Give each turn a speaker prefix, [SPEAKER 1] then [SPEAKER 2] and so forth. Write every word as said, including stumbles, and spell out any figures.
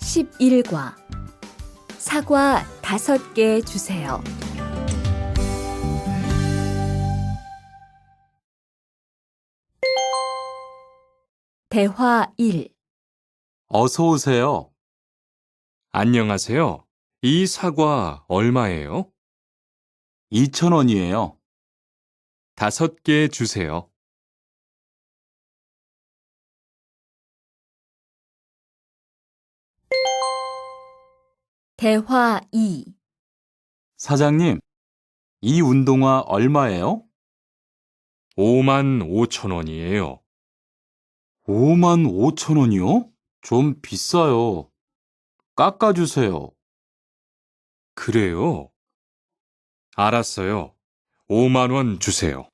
[SPEAKER 1] 십일 과 사과 다섯 개 주세요. 대화 일.
[SPEAKER 2] 어서 오세요.
[SPEAKER 3] 안녕하세요. 이 사과 얼마예요?
[SPEAKER 2] 이천 원이에요.
[SPEAKER 3] 다섯 개 주세요.
[SPEAKER 1] 대화 이.
[SPEAKER 2] 사장님, 이 운동화 얼마예요?
[SPEAKER 3] 오만 오천 원이에요.
[SPEAKER 2] 오만 오천 원이요? 좀 비싸요. 깎아주세요.
[SPEAKER 3] 그래요? 알았어요. 오만 원 주세요.